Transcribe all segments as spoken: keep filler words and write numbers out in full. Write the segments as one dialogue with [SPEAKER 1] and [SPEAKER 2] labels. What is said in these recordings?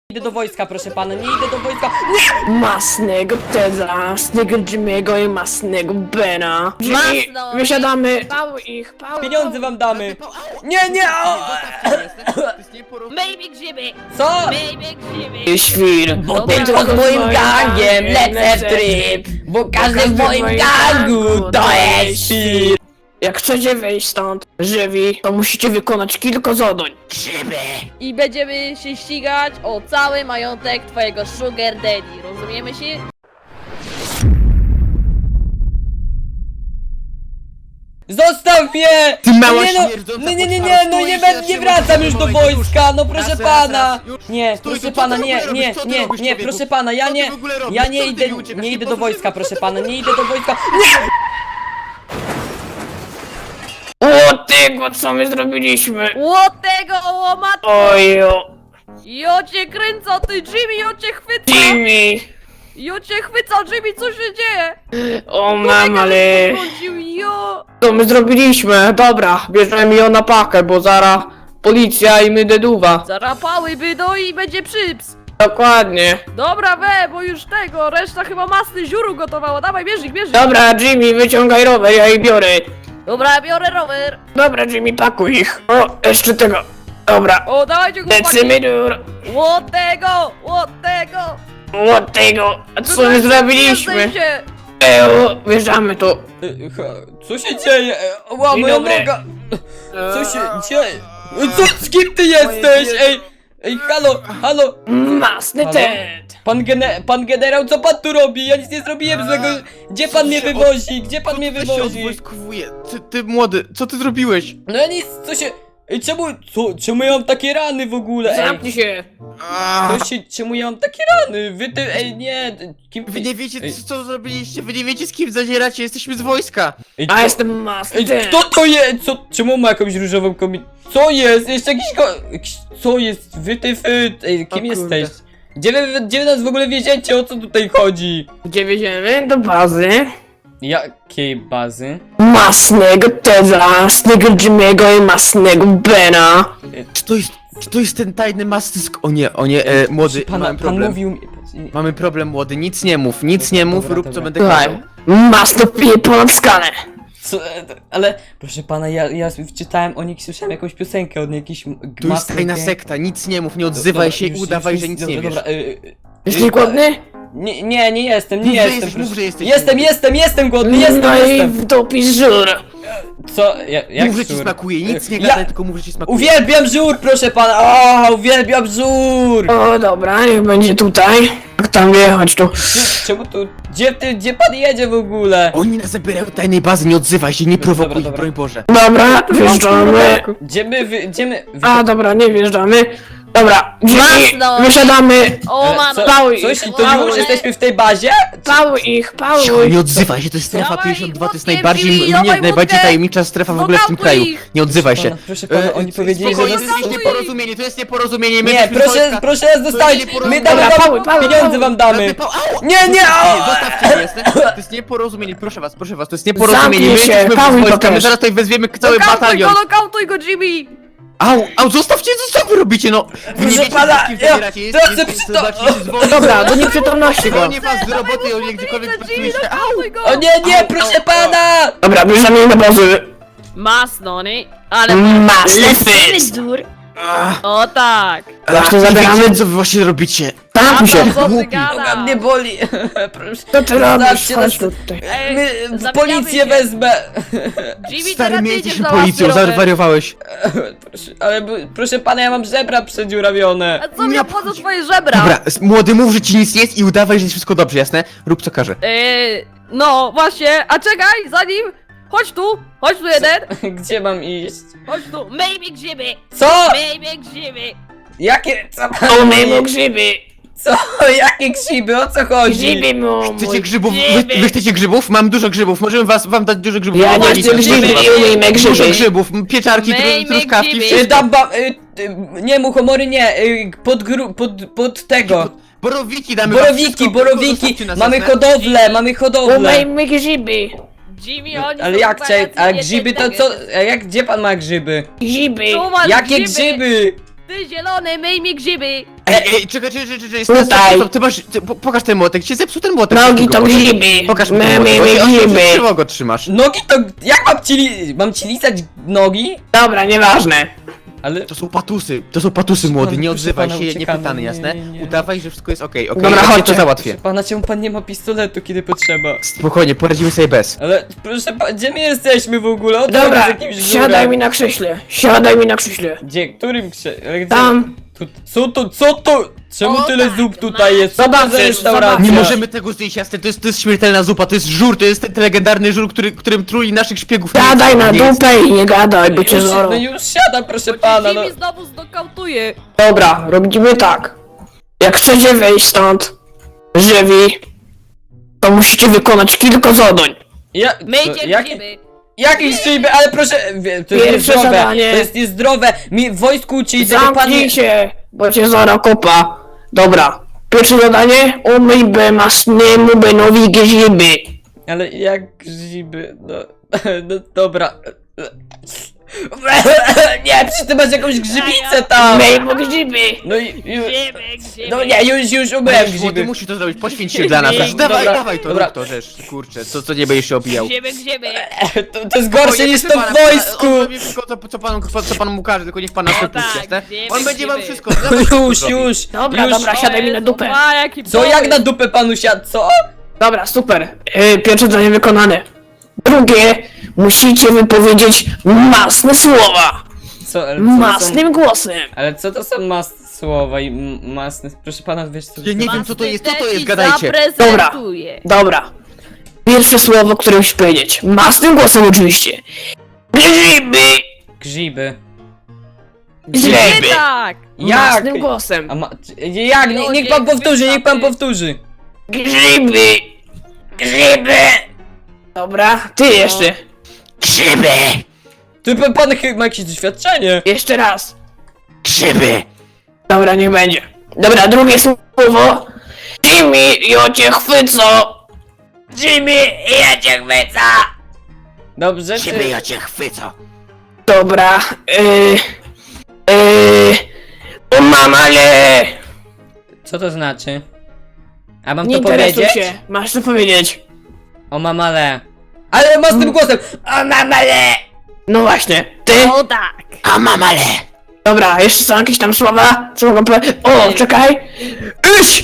[SPEAKER 1] Idę do wojska, proszę pana, nie idę do wojska. Nie!
[SPEAKER 2] Masnego Teda, masnego Jimmy'ego i masnego Bena. Jimmy,
[SPEAKER 3] Masno,
[SPEAKER 2] wysiadamy. Pał ich, pał.
[SPEAKER 1] Pieniądze wam damy. Nie, nie! O!
[SPEAKER 3] Baby grzyby!
[SPEAKER 1] Co?
[SPEAKER 3] Baby grzyby!
[SPEAKER 2] Świr.
[SPEAKER 1] Bo tylko z moim gangiem lecę w tryb. Bo każdy w moim gangu to jest świr.
[SPEAKER 2] Jak chcecie wyjść stąd, żywi, to musicie wykonać kilka zadań.
[SPEAKER 3] I będziemy się ścigać o cały majątek twojego sugar daddy, rozumiemy się?
[SPEAKER 1] Zostaw mnie!
[SPEAKER 4] Ty mała
[SPEAKER 1] nie, no,
[SPEAKER 4] śmierdząca
[SPEAKER 1] nie, nie, nie, nie,
[SPEAKER 4] potwora,
[SPEAKER 1] no nie,
[SPEAKER 4] stój,
[SPEAKER 1] będę,
[SPEAKER 4] się
[SPEAKER 1] nie wracam już do
[SPEAKER 4] zatrzymaj,
[SPEAKER 1] wojska, no proszę
[SPEAKER 4] raz, raz,
[SPEAKER 1] pana!
[SPEAKER 4] raz, już.
[SPEAKER 1] Nie,
[SPEAKER 4] Stój,
[SPEAKER 1] proszę
[SPEAKER 4] co ty
[SPEAKER 1] pana,
[SPEAKER 4] w
[SPEAKER 1] nie,
[SPEAKER 4] ogóle
[SPEAKER 1] nie,
[SPEAKER 4] robisz? Co ty
[SPEAKER 1] nie,
[SPEAKER 4] robisz,
[SPEAKER 1] nie,
[SPEAKER 4] człowieku?
[SPEAKER 1] proszę pana, ja
[SPEAKER 4] Co ty
[SPEAKER 1] nie,
[SPEAKER 4] w ogóle robisz?
[SPEAKER 1] ja
[SPEAKER 4] Co
[SPEAKER 1] nie
[SPEAKER 4] ty
[SPEAKER 1] idę,
[SPEAKER 4] mi uciekasz?
[SPEAKER 1] nie
[SPEAKER 4] Nie
[SPEAKER 1] idę do
[SPEAKER 4] pozwól-
[SPEAKER 1] wojska, proszę pana, nie idę do wojska. Nie!
[SPEAKER 2] O tego, co my zrobiliśmy.
[SPEAKER 3] Łotego łomat!
[SPEAKER 2] Ojo,
[SPEAKER 3] Jo cię kręcą, ty Jimmy, jo cię chwyca!
[SPEAKER 2] Jimmy.
[SPEAKER 3] Jo cię chwyca, Jimmy, co się dzieje?
[SPEAKER 2] O mam, ale...
[SPEAKER 3] Chodził, jo!
[SPEAKER 2] Co my zrobiliśmy? Dobra, bierzemy ją na pakę, bo zaraz policja i my deduwa.
[SPEAKER 3] Zarapały by, no i będzie przyps!
[SPEAKER 2] Dokładnie.
[SPEAKER 3] Dobra, we, bo już tego, reszta chyba masny ziuru gotowała, dawaj, bierz ich, bierz ich!
[SPEAKER 2] Dobra, Jimmy, wyciągaj rower, ja ich biorę.
[SPEAKER 3] Dobra, biorę rower!
[SPEAKER 2] Dobra, Jimmy, pakuj ich. O, jeszcze tego. Dobra,
[SPEAKER 3] O, dawajcie chłopaki!
[SPEAKER 2] lecimy dur.
[SPEAKER 3] Łotego, łotego!
[SPEAKER 2] O tego, a co my zrobiliśmy?
[SPEAKER 3] Się.
[SPEAKER 2] Ejo, wjeżdżamy tu.
[SPEAKER 1] E, ha, Co się dzieje? E, Ła,
[SPEAKER 2] Dzień
[SPEAKER 1] moja
[SPEAKER 2] dobry.
[SPEAKER 1] noga! Co się dzieje? E, Co, z kim ty jesteś? Ej, ej, halo, halo!
[SPEAKER 2] Masny
[SPEAKER 1] Halo?
[SPEAKER 2] Ted.
[SPEAKER 1] Pan, gene, pan generał, co pan tu robi? Ja nic nie zrobiłem złego. Gdzie pan mnie wywozi? Gdzie pan mnie
[SPEAKER 4] Co ty się
[SPEAKER 1] wywozi?
[SPEAKER 4] odwojskowuje? Ty, ty młody, co ty zrobiłeś?
[SPEAKER 1] No ja nic, co się... Ej, czemu, co, czemu ja mam takie rany w ogóle? Ej,
[SPEAKER 2] Zamknij się.
[SPEAKER 4] Ach,
[SPEAKER 1] co się, czemu ja mam takie rany? Wy ty, ej, nie, kim
[SPEAKER 4] wy nie wiecie
[SPEAKER 1] Ej.
[SPEAKER 4] co, co zrobiliście, wy nie wiecie z kim zadzieracie, jesteśmy z wojska.
[SPEAKER 1] Ej,
[SPEAKER 2] A
[SPEAKER 1] co-
[SPEAKER 2] jestem Masny
[SPEAKER 1] Ej,
[SPEAKER 2] Ted.
[SPEAKER 1] kto to jest? Co, czemu ma jakąś różową kobietę? Co jest? Jeszcze jakiś ko... jakiś- Co jest? Wy ty, wy, ej, kim
[SPEAKER 4] O kurde.
[SPEAKER 1] jesteś? Gdzie wy, gdzie wy nas w ogóle wieziecie? O co tutaj chodzi?
[SPEAKER 2] Gdzie wjedziemy? Do bazy.
[SPEAKER 1] Jakiej bazy?
[SPEAKER 2] Masnego Teda, masnego Jimmy'ego i masnego Bena.
[SPEAKER 4] Czy to jest, czy to jest ten tajny mastysk? O nie, o nie, e, młody,
[SPEAKER 1] Pana,
[SPEAKER 4] mamy
[SPEAKER 1] pan
[SPEAKER 4] problem.
[SPEAKER 1] mówił mi...
[SPEAKER 4] Mamy problem, młody, nic nie mów, nic nie mów,
[SPEAKER 1] Dobra,
[SPEAKER 4] rób
[SPEAKER 1] dobra.
[SPEAKER 4] co będę
[SPEAKER 2] Słuchaj,
[SPEAKER 4] kazał.
[SPEAKER 2] masno pije ponad skalę.
[SPEAKER 1] Co, e, ale, proszę pana, ja, ja czytałem o nich, słyszałem jakąś piosenkę od jakiejś...
[SPEAKER 4] Tu jest tajna sekta, nic nie mów, nie odzywaj się i udawaj, że nic nie wiesz.
[SPEAKER 1] Dobra, y, y,
[SPEAKER 2] Jesteś
[SPEAKER 1] y,
[SPEAKER 2] głodny?
[SPEAKER 1] Nie, nie, nie jestem, nie
[SPEAKER 4] Mów, że
[SPEAKER 1] jestem.
[SPEAKER 4] jesteś,
[SPEAKER 1] proszę.
[SPEAKER 4] mów, że jesteś
[SPEAKER 1] Jestem,
[SPEAKER 4] głodny.
[SPEAKER 1] jestem, jestem głodny, jestem,
[SPEAKER 2] No i
[SPEAKER 1] jestem.
[SPEAKER 2] w dupie żur.
[SPEAKER 1] Co? Ja, jak
[SPEAKER 4] Mów, że ci
[SPEAKER 1] żur?
[SPEAKER 4] smakuje, nic nie
[SPEAKER 1] Ja-
[SPEAKER 4] gadaj, tylko mów, że ci smakuje.
[SPEAKER 1] Uwielbiam żur, proszę pana! O, uwielbiam żur!
[SPEAKER 2] O, dobra, niech będzie tutaj. Jak tam jechać tu?
[SPEAKER 1] Czy- Czemu tu... Gdzie ty, gdzie pan jedzie w ogóle?
[SPEAKER 4] Oni nas zabierają do tajnej bazy, nie odzywaj się, nie prowokuj
[SPEAKER 1] dobra,
[SPEAKER 4] ich,
[SPEAKER 1] dobra.
[SPEAKER 4] broń Boże.
[SPEAKER 2] Dobra, wjeżdżamy.
[SPEAKER 1] Gdzie my, wy, gdzie my... Wy...
[SPEAKER 2] A, dobra, nie wjeżdżamy. Dobra, Jimmy,
[SPEAKER 3] Masno.
[SPEAKER 2] wysiadamy.
[SPEAKER 3] O,
[SPEAKER 1] E,
[SPEAKER 3] mam!
[SPEAKER 1] co,
[SPEAKER 2] Pałuj
[SPEAKER 1] coś
[SPEAKER 2] ich,
[SPEAKER 1] i to
[SPEAKER 2] pałuj.
[SPEAKER 1] już jesteśmy w tej bazie?
[SPEAKER 2] Pałuj ich,
[SPEAKER 4] Cicho,
[SPEAKER 2] pałuj.
[SPEAKER 4] nie odzywaj się, to jest strefa
[SPEAKER 3] Dawaj
[SPEAKER 4] pięćdziesiąt dwa, to jest
[SPEAKER 3] wódkę,
[SPEAKER 4] najbardziej,
[SPEAKER 3] Jimmy,
[SPEAKER 4] nie,
[SPEAKER 3] dawaj
[SPEAKER 4] najbardziej
[SPEAKER 3] wódkę.
[SPEAKER 4] tajemnicza strefa w ogóle w tym
[SPEAKER 3] Nokautuj
[SPEAKER 4] kraju.
[SPEAKER 3] ich.
[SPEAKER 4] Nie odzywaj się.
[SPEAKER 1] Pana, proszę pana, oni powiedzieli, że
[SPEAKER 4] spokojnie,
[SPEAKER 1] nas...
[SPEAKER 4] to jest
[SPEAKER 3] Nokautuj.
[SPEAKER 4] nieporozumienie, to jest nieporozumienie, my
[SPEAKER 1] Nie,
[SPEAKER 4] jesteśmy z
[SPEAKER 1] proszę,
[SPEAKER 4] wojska.
[SPEAKER 1] proszę nas zostawić!
[SPEAKER 4] To jest
[SPEAKER 1] My damy
[SPEAKER 2] Dobra,
[SPEAKER 1] wam...
[SPEAKER 2] pałuj, pałuj,
[SPEAKER 1] Pieniądze wam damy!
[SPEAKER 4] Żadne pał- Au!
[SPEAKER 1] Nie, nie! au!
[SPEAKER 4] Zostawcie mnie, jestem. To jest nieporozumienie, proszę was, proszę was, to jest nieporozumienie.
[SPEAKER 2] Zamknij
[SPEAKER 4] My
[SPEAKER 2] się,
[SPEAKER 4] jesteśmy
[SPEAKER 2] pałuj
[SPEAKER 4] z
[SPEAKER 2] to
[SPEAKER 4] wojska, my
[SPEAKER 2] też.
[SPEAKER 4] zaraz tutaj wezwiemy cały
[SPEAKER 3] Nokautuj go,
[SPEAKER 4] batalion.
[SPEAKER 3] nokautuj go, Jimmy!
[SPEAKER 4] Au, au, zostawcie, co wy robicie, no! Wy nie
[SPEAKER 1] Proszę
[SPEAKER 4] wiecie,
[SPEAKER 1] pana,
[SPEAKER 4] z kim
[SPEAKER 1] ja-
[SPEAKER 4] zabieracie,
[SPEAKER 1] to
[SPEAKER 4] jest-
[SPEAKER 1] chcę
[SPEAKER 4] jest-
[SPEAKER 1] przy-
[SPEAKER 4] zobaczcie,
[SPEAKER 1] to-
[SPEAKER 4] się zwolni.
[SPEAKER 2] Dobra, do nieprzytomności go.
[SPEAKER 4] Zwolnię was z roboty, o gdziekolwiek
[SPEAKER 3] Jimmy,
[SPEAKER 4] pracujecie. Au!
[SPEAKER 3] nokautuj go!
[SPEAKER 1] O nie, nie,
[SPEAKER 4] Au,
[SPEAKER 1] proszę
[SPEAKER 4] au,
[SPEAKER 1] pana!
[SPEAKER 2] Dobra, bierzemy do bazy.
[SPEAKER 3] Masno, nie? Ale...
[SPEAKER 2] Masny Ted.
[SPEAKER 3] dur!
[SPEAKER 4] Ach,
[SPEAKER 3] O tak!
[SPEAKER 2] Właśnie
[SPEAKER 4] nie
[SPEAKER 2] zabieramy.
[SPEAKER 4] wiecie, co wy właśnie robicie.
[SPEAKER 2] Tam się.
[SPEAKER 3] Co ty
[SPEAKER 4] Głupi.
[SPEAKER 1] Noga
[SPEAKER 3] gadasz?
[SPEAKER 1] mnie boli! Proszę.
[SPEAKER 2] Co ty robisz?
[SPEAKER 1] Zostawcie
[SPEAKER 2] Chodź
[SPEAKER 1] nas.
[SPEAKER 2] tutaj.
[SPEAKER 3] Ej,
[SPEAKER 1] My, w
[SPEAKER 3] zabijamy
[SPEAKER 1] policję
[SPEAKER 3] się.
[SPEAKER 1] wezmę!
[SPEAKER 3] Jimmy,
[SPEAKER 4] Stary,
[SPEAKER 3] teraz
[SPEAKER 4] my
[SPEAKER 3] ty
[SPEAKER 4] jesteśmy
[SPEAKER 3] idziesz na
[SPEAKER 4] policją,
[SPEAKER 3] łapy, Robert.
[SPEAKER 4] zawariowałeś.
[SPEAKER 1] Proszę, ale b- proszę pana, ja mam żebra przedziurawione.
[SPEAKER 3] A co mi
[SPEAKER 4] Nie
[SPEAKER 3] obchodzą
[SPEAKER 4] obchodzi.
[SPEAKER 3] twoje żebra?
[SPEAKER 4] Dobra, s- młody, mów, że ci nic nie jest i udawaj, że jest wszystko dobrze, jasne? Rób co każe.
[SPEAKER 3] Eee, no właśnie, a czekaj, zanim... Chodź tu, chodź tu jeden,
[SPEAKER 1] Gdzie mam iść?
[SPEAKER 3] chodź tu. Maybe grzyby,
[SPEAKER 1] Co?
[SPEAKER 3] maybe grzyby.
[SPEAKER 1] Jakie? Co
[SPEAKER 2] O,
[SPEAKER 1] pan
[SPEAKER 2] my mu
[SPEAKER 1] mówi?
[SPEAKER 2] grzyby.
[SPEAKER 1] Co? Jakie grzyby? O co chodzi?
[SPEAKER 2] Grzyby mu.
[SPEAKER 4] Chcecie
[SPEAKER 2] mój.
[SPEAKER 4] grzybów?
[SPEAKER 3] Grzyby.
[SPEAKER 4] Wy, wy chcecie grzybów? Mam dużo grzybów, możemy was, wam dać dużo grzybów.
[SPEAKER 2] Ja nie
[SPEAKER 4] Chłopaki,
[SPEAKER 2] chcę grzyby, nie umiem
[SPEAKER 4] Dużo
[SPEAKER 2] grzyby.
[SPEAKER 4] grzybów, m, pieczarki, tru,
[SPEAKER 3] Myjmy
[SPEAKER 4] truskawki,
[SPEAKER 3] grzyby.
[SPEAKER 1] Y,
[SPEAKER 4] wszystko.
[SPEAKER 1] Dam wam... Y, y, nie, muchomory nie, y, pod, gru, pod, pod tego.
[SPEAKER 4] Borowiki damy wam
[SPEAKER 1] Borowiki,
[SPEAKER 4] wszystko,
[SPEAKER 1] borowiki,
[SPEAKER 4] zostawcie nas,
[SPEAKER 1] mamy
[SPEAKER 4] jasne?
[SPEAKER 1] hodowlę, mamy
[SPEAKER 2] O,
[SPEAKER 1] hodowlę.
[SPEAKER 2] my grzyby.
[SPEAKER 3] Jimmy, oni
[SPEAKER 1] Ale
[SPEAKER 3] są
[SPEAKER 1] jak chciałem,
[SPEAKER 3] wariacji,
[SPEAKER 1] a
[SPEAKER 3] nie
[SPEAKER 1] grzyby to
[SPEAKER 3] tak,
[SPEAKER 1] co?
[SPEAKER 3] tak.
[SPEAKER 1] A jak, gdzie pan ma grzyby?
[SPEAKER 2] Grzyby.
[SPEAKER 3] Tu masz
[SPEAKER 1] Jakie
[SPEAKER 3] grzyby.
[SPEAKER 1] grzyby?
[SPEAKER 3] Ty zielony, myj mi grzyby!
[SPEAKER 4] Ej, ej, czekaj, czekaj, czekaj, czekaj, stop,
[SPEAKER 2] Tutaj.
[SPEAKER 4] stop, stop, ty masz, ty, po, pokaż ten młotek, się zepsuł ten młotek.
[SPEAKER 2] Nogi
[SPEAKER 4] szybko
[SPEAKER 2] to
[SPEAKER 4] go,
[SPEAKER 2] grzyby.
[SPEAKER 4] Pokaż mi
[SPEAKER 2] My,
[SPEAKER 4] ten
[SPEAKER 2] my,
[SPEAKER 4] młotek,
[SPEAKER 2] my
[SPEAKER 4] on- on się
[SPEAKER 2] grzyby.
[SPEAKER 4] krzywo go trzymasz.
[SPEAKER 1] Nogi to... Jak mam ci li... Mam ci lizać nogi?
[SPEAKER 2] Dobra, nieważne.
[SPEAKER 1] Ale...
[SPEAKER 4] To są patusy, to są patusy młody, nie
[SPEAKER 1] proszę
[SPEAKER 4] odzywaj
[SPEAKER 1] pana,
[SPEAKER 4] się, nie
[SPEAKER 1] uciekamy,
[SPEAKER 4] pytany,
[SPEAKER 1] nie,
[SPEAKER 4] jasne?
[SPEAKER 1] nie, nie.
[SPEAKER 4] Udawaj, że wszystko jest okej, okej,
[SPEAKER 2] Dobra,
[SPEAKER 4] ja ci
[SPEAKER 2] chodźcie.
[SPEAKER 4] to załatwię.
[SPEAKER 1] Pana, czemu pan nie ma pistoletu, kiedy potrzeba?
[SPEAKER 4] Spokojnie, poradzimy sobie bez.
[SPEAKER 1] Ale proszę pana, gdzie my jesteśmy w ogóle? O,
[SPEAKER 2] Dobra,
[SPEAKER 1] z jakimś
[SPEAKER 2] siadaj
[SPEAKER 1] żurem.
[SPEAKER 2] mi na krześle. Siadaj mi na krześle.
[SPEAKER 1] Gdzie? Którym krze... ale gdzie?
[SPEAKER 2] Tam.
[SPEAKER 1] Tu, co to, co to? Czemu
[SPEAKER 3] O,
[SPEAKER 1] tyle
[SPEAKER 3] tak,
[SPEAKER 1] zup tutaj jest? Co to za
[SPEAKER 2] Zobaczysz,
[SPEAKER 1] restauracja?
[SPEAKER 2] zobaczysz.
[SPEAKER 4] Nie możemy tego zjeść, jasne, to jest, to jest śmiertelna zupa, to jest żur, to jest ten legendarny żur, który, którym truli naszych szpiegów.
[SPEAKER 2] Siadaj na
[SPEAKER 4] Nie jest-
[SPEAKER 2] dupę i nie gadaj, bo cię
[SPEAKER 1] Już,
[SPEAKER 2] zorą.
[SPEAKER 1] no już siadam, proszę pana, no.
[SPEAKER 3] Jimmy znowu znokautuje!
[SPEAKER 2] Dobra, robimy tak. Jak chcecie wyjść stąd, żywi, to musicie wykonać kilka zadań.
[SPEAKER 1] Ja,
[SPEAKER 3] Myjcie
[SPEAKER 1] co, jakie,
[SPEAKER 3] grzyby!
[SPEAKER 1] jakieś szyby, ale proszę, wie, to jest
[SPEAKER 2] Pierwsze
[SPEAKER 1] niezdrowe,
[SPEAKER 2] zadanie.
[SPEAKER 1] to jest niezdrowe, mi w wojsku uczyli tego pan
[SPEAKER 2] Zamknij
[SPEAKER 1] nie...
[SPEAKER 2] się, bo cię zora kopa. Dobra, pierwsze zadanie, umyj be masnemu benowi grzyby.
[SPEAKER 1] Ale jak grzyby, no, no dobra. Nie, przecież ty masz jakąś grzybicę tam!
[SPEAKER 2] Myj mu grzyby.
[SPEAKER 1] No i już,
[SPEAKER 3] Grzyby, grzyby!
[SPEAKER 1] no nie, już, już umyłem
[SPEAKER 4] Młody,
[SPEAKER 1] grzyby.
[SPEAKER 4] musisz to zrobić, poświęć się dla nas.
[SPEAKER 1] Dobra,
[SPEAKER 4] Dawaj,
[SPEAKER 1] dobra,
[SPEAKER 4] dawaj to,
[SPEAKER 1] dobra.
[SPEAKER 4] rób to, rzecz, kurczę, co, co nie będziesz się obijał.
[SPEAKER 3] Grzyby, grzyby!
[SPEAKER 1] To, to jest gorsze niż to w wojsku!
[SPEAKER 4] On robi wszystko, co, co, panu, co, co panu mu każe, tylko niech pan nas
[SPEAKER 3] O
[SPEAKER 4] wypuści,
[SPEAKER 3] tak,
[SPEAKER 4] jasne?
[SPEAKER 3] wiemy,
[SPEAKER 4] On będzie wam
[SPEAKER 3] wiemy.
[SPEAKER 4] wszystko, dla was wszystko
[SPEAKER 1] Już,
[SPEAKER 4] zrobi.
[SPEAKER 1] już,
[SPEAKER 2] Dobra,
[SPEAKER 1] już.
[SPEAKER 2] dobra, siadaj mi na dupę.
[SPEAKER 3] A, jaki
[SPEAKER 1] Co, jak
[SPEAKER 3] pomysł.
[SPEAKER 1] na dupę panu siadł, co?
[SPEAKER 2] Dobra, super. Yy, pierwsze zadanie wykonane. Drugie, musicie wypowiedzieć masne słowa.
[SPEAKER 1] Co, ale co to są,
[SPEAKER 2] Masnym głosem.
[SPEAKER 1] ale co to są mas słowa i m- masne, proszę pana, wiesz co...
[SPEAKER 4] Ja nie wiem, co to jest, co to jest,
[SPEAKER 3] Masny
[SPEAKER 4] gadajcie.
[SPEAKER 3] zaprezentuje.
[SPEAKER 2] Dobra. Pierwsze słowo, które musisz powiedzieć. Masnym głosem oczywiście. Grzyby.
[SPEAKER 1] Grzyby.
[SPEAKER 2] Grzyby.
[SPEAKER 3] Nie tak!
[SPEAKER 1] Jak?
[SPEAKER 2] Masnym głosem.
[SPEAKER 1] A ma... Jak? Nie, niech pan powtórzy, niech pan powtórzy.
[SPEAKER 2] Grzyby. Grzyby. Dobra, ty jeszcze. Grzyby.
[SPEAKER 1] Ty pan, pan chyba ma jakieś doświadczenie.
[SPEAKER 2] Jeszcze raz.
[SPEAKER 4] Grzyby.
[SPEAKER 2] Dobra, niech będzie. Dobra, drugie słowo. Jimmy, ja cię chwycę. Jimmy, ja cię chwycę.
[SPEAKER 1] Dobrze,
[SPEAKER 4] Grzyby,
[SPEAKER 1] czy...
[SPEAKER 4] ja cię chwycę.
[SPEAKER 2] Dobra, yy... Yy... O mamale!
[SPEAKER 1] Co to znaczy? A mam
[SPEAKER 2] Nie
[SPEAKER 1] to
[SPEAKER 2] interesuj
[SPEAKER 1] powiedzieć?
[SPEAKER 2] się, masz to powiedzieć.
[SPEAKER 1] O mamale. Ale ma z tym głosem. O mamale.
[SPEAKER 2] No właśnie, ty?
[SPEAKER 3] O tak!
[SPEAKER 4] A mamale.
[SPEAKER 2] Dobra, jeszcze są jakieś tam słowa? Co mogę powiedzieć? O, czekaj! Iś!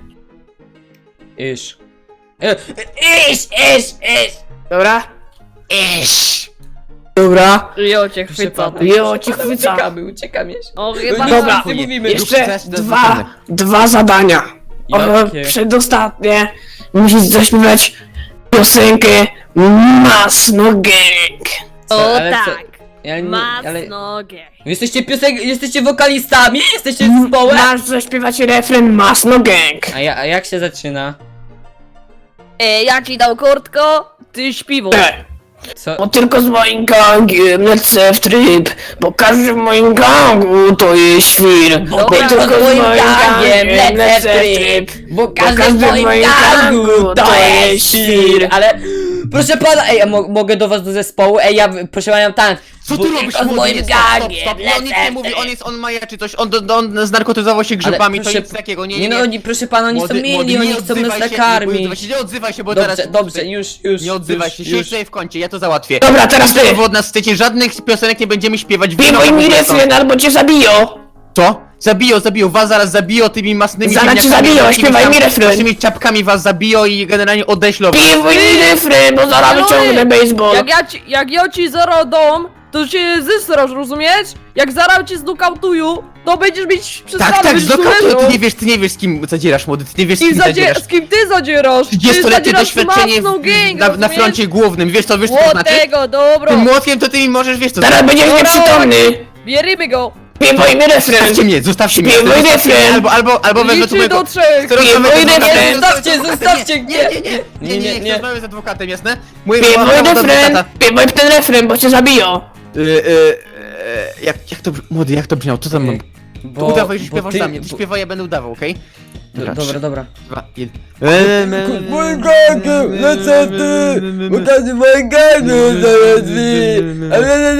[SPEAKER 1] Iż. E, Iż, iż, iż.
[SPEAKER 2] Dobra,
[SPEAKER 4] Iś.
[SPEAKER 2] dobra.
[SPEAKER 3] Jo cię
[SPEAKER 1] Proszę
[SPEAKER 3] chwyca.
[SPEAKER 1] pana.
[SPEAKER 2] Jo, cię chwyca.
[SPEAKER 1] Uciekamy, uciekamy jeszcze.
[SPEAKER 3] O, chyba
[SPEAKER 1] No,
[SPEAKER 2] Dobra.
[SPEAKER 1] nic nie mówimy.
[SPEAKER 2] Jeszcze
[SPEAKER 4] Rób coś,
[SPEAKER 2] dwa,
[SPEAKER 4] zobaczymy.
[SPEAKER 2] dwa zadania. O,
[SPEAKER 1] Jakie?
[SPEAKER 2] przedostatnie. Musisz zaśpiewać piosenkę Masno Gang.
[SPEAKER 3] O
[SPEAKER 1] Ale co?
[SPEAKER 3] tak!
[SPEAKER 1] Ja nie, ale...
[SPEAKER 3] Masnogę!
[SPEAKER 1] Wy Jesteście piosen... Jesteście wokalistami? Jesteście
[SPEAKER 2] Mm,
[SPEAKER 1] zespołem?
[SPEAKER 2] Masz zaśpiewać refren Masno Gang.
[SPEAKER 1] A, ja, a jak się zaczyna?
[SPEAKER 3] E, ja ci dał kurtko, ty śpiwo.
[SPEAKER 2] E,
[SPEAKER 1] Co?
[SPEAKER 2] Bo tylko z moim gangiem lecę w tryb, bo każdy w moim gangu to jest świr. Bo
[SPEAKER 3] Dobra,
[SPEAKER 2] tylko z moim
[SPEAKER 1] gangiem
[SPEAKER 2] gangiem lecę w tryb,
[SPEAKER 1] Bo każdy
[SPEAKER 2] każdy
[SPEAKER 1] w moim gangu to jest
[SPEAKER 2] jest
[SPEAKER 1] świr. Ale... Proszę pana, ej, ja mo mogę do was do zespołu? Ej, ja... Proszę pana, tam.
[SPEAKER 4] Co
[SPEAKER 1] Bo
[SPEAKER 4] ty robisz,
[SPEAKER 1] tylko z
[SPEAKER 4] młody?
[SPEAKER 1] moim
[SPEAKER 4] Nie, stop, stop,
[SPEAKER 1] gangiem
[SPEAKER 4] stop. On nic
[SPEAKER 1] lecę
[SPEAKER 4] nie
[SPEAKER 1] w
[SPEAKER 4] mówi,
[SPEAKER 1] tryb.
[SPEAKER 4] on jest, on majaczy coś, on, do, on znarkotyzował się grzybami, to
[SPEAKER 1] proszę-
[SPEAKER 4] nic takiego, nie,
[SPEAKER 1] Nie
[SPEAKER 4] nie,
[SPEAKER 1] no,
[SPEAKER 4] nie.
[SPEAKER 1] oni, proszę pana, oni są
[SPEAKER 4] Młody-
[SPEAKER 1] mili,
[SPEAKER 4] młody,
[SPEAKER 1] oni
[SPEAKER 4] nie
[SPEAKER 1] chcą nas
[SPEAKER 4] odzywaj się, nie
[SPEAKER 1] nakarmić.
[SPEAKER 4] odzywaj się, nie odzywaj się, bo
[SPEAKER 1] Dobrze,
[SPEAKER 4] teraz...
[SPEAKER 1] dobrze, już, już.
[SPEAKER 4] Nie odzywaj
[SPEAKER 1] już,
[SPEAKER 4] się,
[SPEAKER 1] już.
[SPEAKER 4] siedź tutaj w kącie, ja to załatwię.
[SPEAKER 2] Dobra, teraz ty.
[SPEAKER 4] Co wy od nas chcecie, żadnych piosenek nie będziemy śpiewać.
[SPEAKER 2] Bibuj
[SPEAKER 4] wynocha
[SPEAKER 2] mi
[SPEAKER 4] w ogóle
[SPEAKER 2] refren,
[SPEAKER 4] stąd.
[SPEAKER 2] albo cię zabiją.
[SPEAKER 4] Co? Zabiją, zabiją, was zaraz zabiją tymi masnymi
[SPEAKER 2] Zaraz cię
[SPEAKER 4] ziemniakami,
[SPEAKER 2] zabiją,
[SPEAKER 4] takimi
[SPEAKER 2] śpiewaj
[SPEAKER 4] tam-
[SPEAKER 2] mi refren.
[SPEAKER 4] Waszymi czapkami was zabiją i generalnie odeślą.
[SPEAKER 2] Bibuj mi refren, bo zaraz
[SPEAKER 3] Ale-
[SPEAKER 2] wyciągnę baseball.
[SPEAKER 3] Jak ja ci, jak ja ci zero dom, to cię zysrasz, rozumiesz? Jak zaraz cię zdokautuju, to będziesz mieć przesrane,
[SPEAKER 4] Tak, tak,
[SPEAKER 3] będziesz
[SPEAKER 4] zdokautuj, ty
[SPEAKER 3] leżał.
[SPEAKER 4] nie wiesz, ty nie wiesz z kim zadzierasz, młody, ty nie wiesz z
[SPEAKER 3] Z kim,
[SPEAKER 4] kim
[SPEAKER 3] zadzie-
[SPEAKER 4] zadzierasz.
[SPEAKER 3] z kim ty zadzierasz? Ty
[SPEAKER 4] trzydziestoletnie
[SPEAKER 3] zadzierasz z
[SPEAKER 4] doświadczenie w,
[SPEAKER 3] Masną gang,
[SPEAKER 4] na, na
[SPEAKER 3] rozumiesz?
[SPEAKER 4] froncie głównym, wiesz co, wiesz co to
[SPEAKER 3] O
[SPEAKER 4] znaczy?
[SPEAKER 3] tego, dobro!
[SPEAKER 4] Tym młotkiem to ty mi możesz, wiesz co to
[SPEAKER 2] Zaraz
[SPEAKER 4] znaczy.
[SPEAKER 2] będziesz
[SPEAKER 3] Dobra.
[SPEAKER 2] nieprzytomny.
[SPEAKER 3] Bierzemy go!
[SPEAKER 2] Bibuj mi refren.
[SPEAKER 4] Zostawcie mnie, zostawcie mnie,
[SPEAKER 2] Śpiewaj
[SPEAKER 4] zostawcie mnie,
[SPEAKER 2] refren.
[SPEAKER 4] albo, albo, albo wezmę tu
[SPEAKER 3] Liczy
[SPEAKER 4] mojego...
[SPEAKER 3] do trzech!
[SPEAKER 4] Chcę rozmawiać
[SPEAKER 2] Śpiewaj
[SPEAKER 4] z adwokatem.
[SPEAKER 2] refren.
[SPEAKER 1] Zostawcie,
[SPEAKER 4] Nie,
[SPEAKER 1] zostawcie,
[SPEAKER 4] nie, nie, nie, nie, nie, nie,
[SPEAKER 1] nie,
[SPEAKER 4] chcę
[SPEAKER 1] nie.
[SPEAKER 4] rozmawiać z adwokatem, jasne? Mój
[SPEAKER 2] Bibuj
[SPEAKER 4] adwokat do
[SPEAKER 2] refren.
[SPEAKER 4] adwokata.
[SPEAKER 2] Bibuj ten refren, bo cię zabiją.
[SPEAKER 4] Y, y, y, jak, jak to, brzmi- młody, jak to brzmiało, co tam mam?
[SPEAKER 1] Bo,
[SPEAKER 4] Udawaj, że
[SPEAKER 1] bo
[SPEAKER 4] śpiewasz
[SPEAKER 1] ty-
[SPEAKER 4] za mnie, ty
[SPEAKER 1] bo-
[SPEAKER 4] śpiewaj, ja będę udawał, okej?
[SPEAKER 1] Do, dobra, dobra.
[SPEAKER 4] Dwa, jeden.
[SPEAKER 1] Mój gangu, no co ty? Ukazy mój gangu, zaraz mi.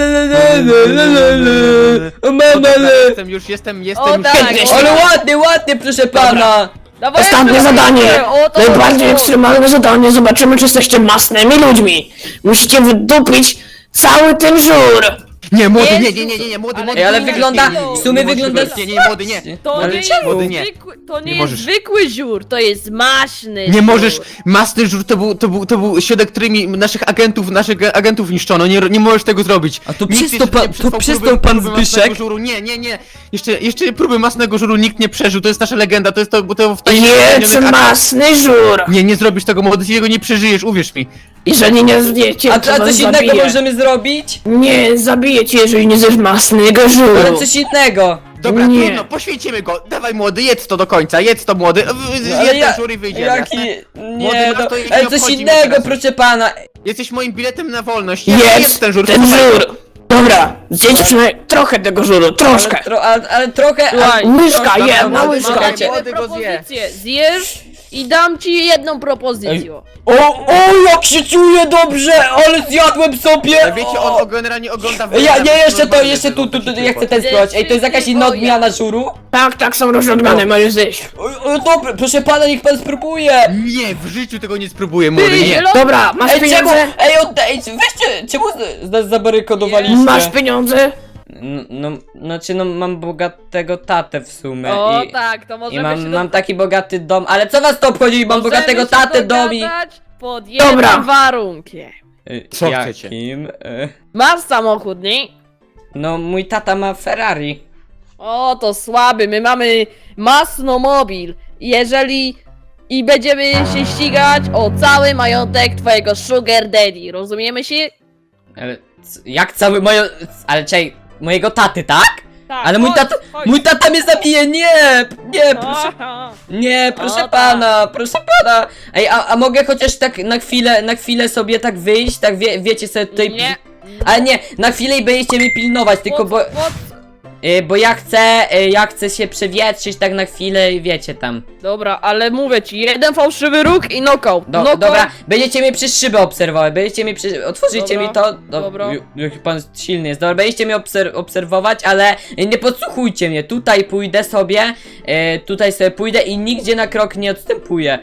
[SPEAKER 1] O mama, ale...
[SPEAKER 4] Jestem już, jestem, jestem
[SPEAKER 3] O
[SPEAKER 4] już.
[SPEAKER 3] tak,
[SPEAKER 4] Jestem.
[SPEAKER 1] Ale ładnie, ładnie, proszę pana.
[SPEAKER 3] Dawaj,
[SPEAKER 2] Ostatnie
[SPEAKER 3] jeszcze
[SPEAKER 2] zadanie!
[SPEAKER 3] raz. O, to
[SPEAKER 2] Najbardziej
[SPEAKER 3] chodziło.
[SPEAKER 2] ekstremalne zadanie, zobaczymy czy jesteście masnymi ludźmi! Musicie wydupić cały ten żur!
[SPEAKER 4] Nie, młody, nie,
[SPEAKER 3] Jezus,
[SPEAKER 4] nie, nie, nie, nie, młody,
[SPEAKER 3] ale-
[SPEAKER 4] młody.
[SPEAKER 1] Ej, ale
[SPEAKER 4] nie,
[SPEAKER 1] wygląda,
[SPEAKER 4] nie, nie, nie,
[SPEAKER 1] w sumie
[SPEAKER 4] nie możesz
[SPEAKER 1] wygląda...
[SPEAKER 4] tego- Nie, nie, nie, młody, nie.
[SPEAKER 3] To
[SPEAKER 1] Ale
[SPEAKER 3] nie
[SPEAKER 1] czemu?
[SPEAKER 3] jest
[SPEAKER 4] Nie.
[SPEAKER 3] zwykły, to nie,
[SPEAKER 4] Nie
[SPEAKER 3] jest
[SPEAKER 4] możesz.
[SPEAKER 3] zwykły żur, to jest maśny
[SPEAKER 4] Nie
[SPEAKER 3] żur.
[SPEAKER 4] możesz, masny żur to był, to był, to był środek, którymi naszych agentów, naszych agentów niszczono, nie, nie możesz tego zrobić.
[SPEAKER 1] A to
[SPEAKER 4] Nikt
[SPEAKER 1] przez
[SPEAKER 4] jeszcze
[SPEAKER 1] to pan-
[SPEAKER 4] nie
[SPEAKER 1] to
[SPEAKER 4] przetrwał
[SPEAKER 1] przez
[SPEAKER 4] próby-
[SPEAKER 1] to pan
[SPEAKER 4] próby masnego
[SPEAKER 1] Zbyszek?
[SPEAKER 4] Żuru. Nie, nie, nie, jeszcze, jeszcze próby masnego żuru nikt nie przeżył, to jest nasza legenda, to jest to, bo to w
[SPEAKER 2] Jedz masny żur!
[SPEAKER 4] Nie, nie zrobisz tego, młody, ty jego nie przeżyjesz, uwierz mi.
[SPEAKER 2] Jeżeli nie zjecie,
[SPEAKER 1] A,
[SPEAKER 2] to
[SPEAKER 1] a
[SPEAKER 2] was
[SPEAKER 1] coś innego
[SPEAKER 2] zabiję.
[SPEAKER 1] możemy zrobić?
[SPEAKER 2] Nie, zabiję cię, jeżeli nie zjesz masnego
[SPEAKER 1] Ale
[SPEAKER 2] żuru!
[SPEAKER 1] coś innego.
[SPEAKER 4] Dobra,
[SPEAKER 2] Nie.
[SPEAKER 4] trudno, poświęcimy go, dawaj młody, jedz to do końca, jedz to młody,
[SPEAKER 1] No,
[SPEAKER 4] jedz
[SPEAKER 1] ale
[SPEAKER 4] ten
[SPEAKER 1] ja-
[SPEAKER 4] żur i wyjdzie,
[SPEAKER 1] Jaki...
[SPEAKER 4] jasne?
[SPEAKER 1] Nie,
[SPEAKER 4] Młody,
[SPEAKER 1] no,
[SPEAKER 4] nas to nie
[SPEAKER 1] ale coś
[SPEAKER 4] obchodzi mnie
[SPEAKER 1] innego,
[SPEAKER 4] teraz.
[SPEAKER 1] proszę pana.
[SPEAKER 4] Jesteś moim biletem na wolność,
[SPEAKER 2] Jedz
[SPEAKER 4] ten żur,
[SPEAKER 2] ten
[SPEAKER 4] słuchaj.
[SPEAKER 2] żur! Dobra, zjedz przynajmniej trochę tego żuru, troszkę!
[SPEAKER 1] Ale, tro, ale, ale trochę...
[SPEAKER 3] Słuchaj,
[SPEAKER 1] ale,
[SPEAKER 2] łyżka,
[SPEAKER 1] trochę-
[SPEAKER 2] jedna
[SPEAKER 1] dobra,
[SPEAKER 2] łyżka.
[SPEAKER 3] Mam dla
[SPEAKER 1] słuchajcie.
[SPEAKER 3] ciebie
[SPEAKER 4] Młody go zje.
[SPEAKER 3] propozycję. Zjesz i dam ci jedną propozycję.
[SPEAKER 1] O, o, jak się czuję dobrze, ale zjadłem sobie.
[SPEAKER 4] Ale wiecie, on generalnie ogląda...
[SPEAKER 1] Ja, nie, jeszcze to,
[SPEAKER 4] normalnie
[SPEAKER 1] jeszcze
[SPEAKER 4] tego,
[SPEAKER 1] tu, tu, tu,
[SPEAKER 4] to się
[SPEAKER 1] ja chcę
[SPEAKER 4] potem.
[SPEAKER 1] ten spróbować. Ej, to jest jakaś inna odmiana żuru?
[SPEAKER 2] Tak, tak, są różne odmiany, możesz zjeść.
[SPEAKER 1] O, o, dobra, proszę pana, niech pan spróbuje.
[SPEAKER 4] Nie, w życiu tego nie spróbuję, młody,
[SPEAKER 3] Ty,
[SPEAKER 4] nie.
[SPEAKER 3] zielony-
[SPEAKER 2] Dobra, masz
[SPEAKER 1] Ej, czemu?
[SPEAKER 2] pieniądze?
[SPEAKER 1] Ej, oddaj, weźcie, czemu z- nas zabarykadowaliście?
[SPEAKER 2] Masz pieniądze?
[SPEAKER 1] No, no, znaczy no mam bogatego tatę w sumie
[SPEAKER 3] O
[SPEAKER 1] i,
[SPEAKER 3] tak, to
[SPEAKER 1] i
[SPEAKER 3] możemy
[SPEAKER 1] mam,
[SPEAKER 3] się
[SPEAKER 1] mam taki bogaty dom, ale co was to obchodzi, mam
[SPEAKER 3] możemy
[SPEAKER 1] bogatego
[SPEAKER 3] się
[SPEAKER 1] tatę dom i...
[SPEAKER 3] dogadać pod jednym
[SPEAKER 2] Dobra.
[SPEAKER 3] warunkiem.
[SPEAKER 1] Y,
[SPEAKER 4] Co
[SPEAKER 1] jakim?
[SPEAKER 4] chcecie?
[SPEAKER 1] Y,
[SPEAKER 3] Masz samochód, nie?
[SPEAKER 1] No, mój tata ma Ferrari.
[SPEAKER 3] O, to słaby, my mamy masnomobil. Jeżeli... I będziemy się ścigać o cały majątek twojego sugar daddy, rozumiemy się?
[SPEAKER 1] Ale c- jak cały moje... Ale czekaj, mojego taty, tak?
[SPEAKER 3] Tak,
[SPEAKER 1] Ale mój
[SPEAKER 3] chodź,
[SPEAKER 1] tata,
[SPEAKER 3] chodź.
[SPEAKER 1] mój tata mnie zabije, nie, nie, proszę,
[SPEAKER 3] Aha.
[SPEAKER 1] nie, proszę
[SPEAKER 3] O, tak.
[SPEAKER 1] pana, proszę pana. Ej, a, a mogę chociaż tak na chwilę, na chwilę sobie tak wyjść, tak wie, wiecie sobie tutaj...
[SPEAKER 3] Nie.
[SPEAKER 1] Ale nie, na chwilę i będziecie mnie pilnować, tylko
[SPEAKER 3] Pod-
[SPEAKER 1] bo...
[SPEAKER 3] pod-
[SPEAKER 1] Y, bo ja chcę, y, ja chcę się przewietrzyć tak na chwilę i wiecie tam.
[SPEAKER 3] Dobra, ale mówię ci, jeden fałszywy róg i knockout.
[SPEAKER 1] Do,
[SPEAKER 3] knockout.
[SPEAKER 1] dobra, będziecie mnie przez szybę obserwować, będziecie mnie przy... otworzycie
[SPEAKER 3] Dobra,
[SPEAKER 1] mi to. Do,
[SPEAKER 3] dobra.
[SPEAKER 1] ju- Jaki pan silny jest, dobra, będziecie mnie obser obserwować, ale nie podsłuchujcie mnie, tutaj pójdę sobie, y, tutaj sobie pójdę i nigdzie na krok nie odstępuję.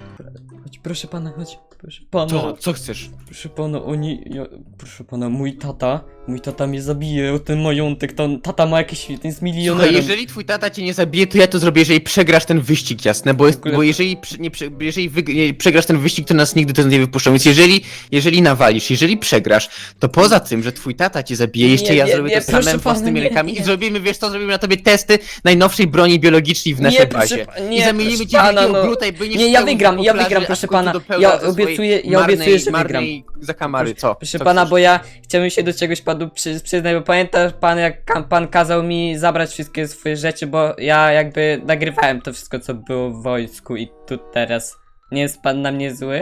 [SPEAKER 1] Chodź, proszę pana, chodź, proszę pana.
[SPEAKER 4] Co, co chcesz?
[SPEAKER 1] Proszę pana, oni, ja, proszę pana, mój tata, mój tata mnie zabije o ten majątek, ten tata ma jakieś, ten jest milionerem.
[SPEAKER 4] Słuchaj, jeżeli twój tata cię nie zabije, to ja to zrobię, jeżeli przegrasz ten wyścig, jasne? Bo, jest,
[SPEAKER 1] ogóle-
[SPEAKER 4] bo jeżeli, przy- nie, prze- jeżeli wyg- nie, przegrasz ten wyścig, to nas nigdy to nie wypuszczą. Więc jeżeli, jeżeli nawalisz, jeżeli przegrasz, to poza tym, że twój tata cię zabije, jeszcze
[SPEAKER 1] Nie,
[SPEAKER 4] ja
[SPEAKER 1] nie,
[SPEAKER 4] zrobię
[SPEAKER 1] nie,
[SPEAKER 4] to
[SPEAKER 1] proszę
[SPEAKER 4] samym
[SPEAKER 1] pana,
[SPEAKER 4] własnymi
[SPEAKER 1] nie,
[SPEAKER 4] rękami
[SPEAKER 1] nie.
[SPEAKER 4] i zrobimy, wiesz co, zrobimy na tobie testy najnowszej broni biologicznej w naszej
[SPEAKER 1] proszę
[SPEAKER 4] bazie.
[SPEAKER 1] pa-
[SPEAKER 4] I
[SPEAKER 1] nie,
[SPEAKER 4] zamienimy
[SPEAKER 1] proszę
[SPEAKER 4] cię w
[SPEAKER 1] pana,
[SPEAKER 4] wielkiego
[SPEAKER 1] no.
[SPEAKER 4] gluta i będziesz
[SPEAKER 1] Nie, ja
[SPEAKER 4] pełnił
[SPEAKER 1] wygram,
[SPEAKER 4] po
[SPEAKER 1] ja
[SPEAKER 4] plaży,
[SPEAKER 1] wygram,
[SPEAKER 4] aż
[SPEAKER 1] proszę
[SPEAKER 4] w końcu
[SPEAKER 1] pana.
[SPEAKER 4] dopełnia
[SPEAKER 1] Ja
[SPEAKER 4] ze swojej
[SPEAKER 1] obiecuję- ja
[SPEAKER 4] marnej,
[SPEAKER 1] obiecuję, że
[SPEAKER 4] marnej zakamary, co?
[SPEAKER 1] Proszę
[SPEAKER 4] Co
[SPEAKER 1] pana,
[SPEAKER 4] chcesz?
[SPEAKER 1] bo ja chciałem się do czegoś panu przy, przyznać, bo pamięta pan, jak ka- pan kazał mi zabrać wszystkie swoje rzeczy, bo ja jakby nagrywałem to wszystko, co było w wojsku i tu teraz. Nie jest pan na mnie zły?